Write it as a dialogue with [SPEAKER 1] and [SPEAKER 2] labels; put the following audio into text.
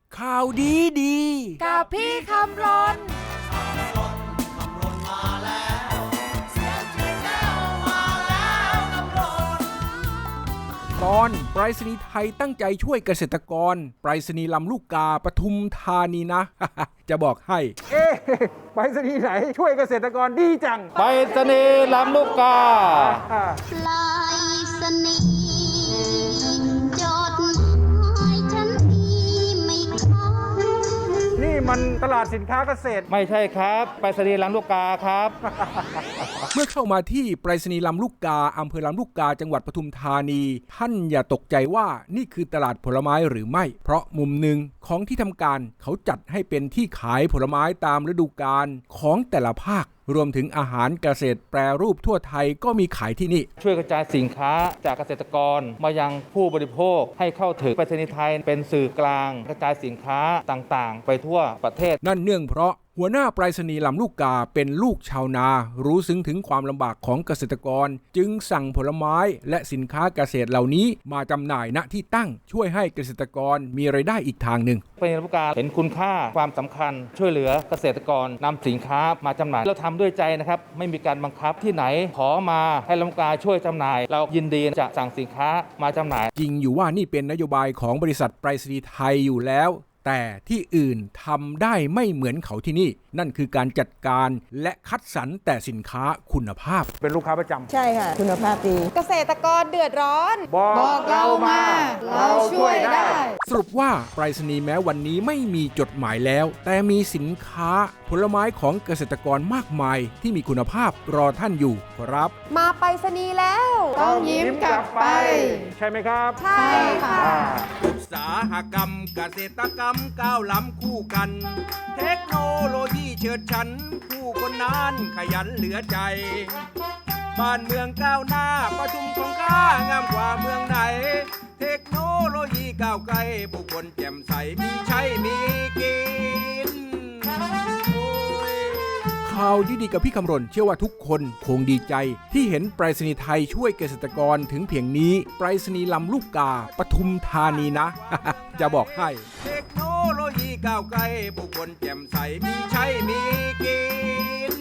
[SPEAKER 1] ข่าวดีดี
[SPEAKER 2] กับพี่คำรน
[SPEAKER 1] ตอนไปรษณีย์ไทยตั้งใจช่วยเกษตรกรไปรษณีย์ลำลูกกาปทุมธานีนะ จะบอกให้
[SPEAKER 3] ไปรษณีย์ไหนช่วยเกษตรกรดีจัง
[SPEAKER 4] ไปรษณีย์ลำลูกกา
[SPEAKER 5] ไปรษณีย์จดหมายฉันดีไม่ค้าง
[SPEAKER 3] นี่มันตลาดสินค้าเกษตร
[SPEAKER 4] ไม่ใช่ครับไปรษณีย์ลำลูกกาครับ
[SPEAKER 1] เมื่อเข้ามาที่ไปรษณีย์ลำลูกกาอำเภอลำลูกกาจังหวัดปทุมธานีท่านอย่าตกใจว่านี่คือตลาดผลไม้หรือไม่เพราะมุมหนึ่งของที่ทำการเขาจัดให้เป็นที่ขายผลไม้ตามฤดูกาลของแต่ละภาครวมถึงอาหารเกษตรแปรรูปทั่วไทยก็มีขายที่นี่
[SPEAKER 4] ช่วยกระจายสินค้าจากเกษตรกรมายังผู้บริโภคให้เข้าถึงไปรษณีย์ไทยเป็นสื่อกลางกระจายสินค้าต่างๆ ไปทั่วประเทศ
[SPEAKER 1] นั่นเนื่องเพราะหัวหน้าไปรษณีย์ลำลูกกาเป็นลูกชาวนารู้ซึ้งถึงความลำบากของเกษตรกรจึงสั่งผลไม้และสินค้าเกษตรเหล่านี้มาจำหน่ายณที่ตั้งช่วยให้เกษตรกรมีรายได้อีกทางหนึ่ง
[SPEAKER 4] ไปรษณีย์ลำลูกกาเห็นคุณค่าความสำคัญช่วยเหลือเกษตรกรนำสินค้ามาจำหน่ายเราทำด้วยใจนะครับไม่มีการบังคับที่ไหนขอมาให้ลำลูกกาช่วยจำหน่ายเรายินดีจะสั่งสินค้ามาจำหน่าย
[SPEAKER 1] จริงอยู่ว่านี่เป็นนโยบายของบริษัทไปรษณีย์ไทยอยู่แล้วแต่ที่อื่นทำได้ไม่เหมือนเขาที่นี่นั่นคือการจัดการและคัดสรรแต่สินค้าคุณภาพ
[SPEAKER 3] เป็นลูกค้าประจำ
[SPEAKER 6] ใช่ค่ะคุณภาพดี
[SPEAKER 2] เกษตรกรเดือดร้อน
[SPEAKER 3] บอกเรามาเราช่วยได้
[SPEAKER 1] สรุปว่าไปรษณีย์แม้วันนี้ไม่มีจดหมายแล้วแต่มีสินค้าผลไม้ของเกษตรกรมากมายที่มีคุณภาพรอท่านอยู่ครับ
[SPEAKER 2] มาไปรษณีย์แล้วต้องยิ้มกลับไป
[SPEAKER 3] ใช่ไหมครับ
[SPEAKER 2] ใช่ค่ะ
[SPEAKER 1] อุตสาหกรรมเกษตรกรรมก้าวล้ำคู่กันเทคโนโลยีเฉิดฉันผู้คนนั้นขยันเหลือใจบ้านเมืองก้าวหน้าประชุมของข้างามกว่าเมืองไหนเทคโนโลยีก้าวไกลผู้คนแจ่มใสมีใช้มีกินข่าวดีๆกับพี่คำรณเชื่อว่าทุกคนคงดีใจที่เห็นไปรษณีย์ไทยช่วยเกษตรกรถึงเพียงนี้ไปรษณีย์ลำลูกกาปทุมธานีนะ จะบอกให้เทคโนโลยีก้าวไกลผู้คนแจ่มใสมีใช้มีกิน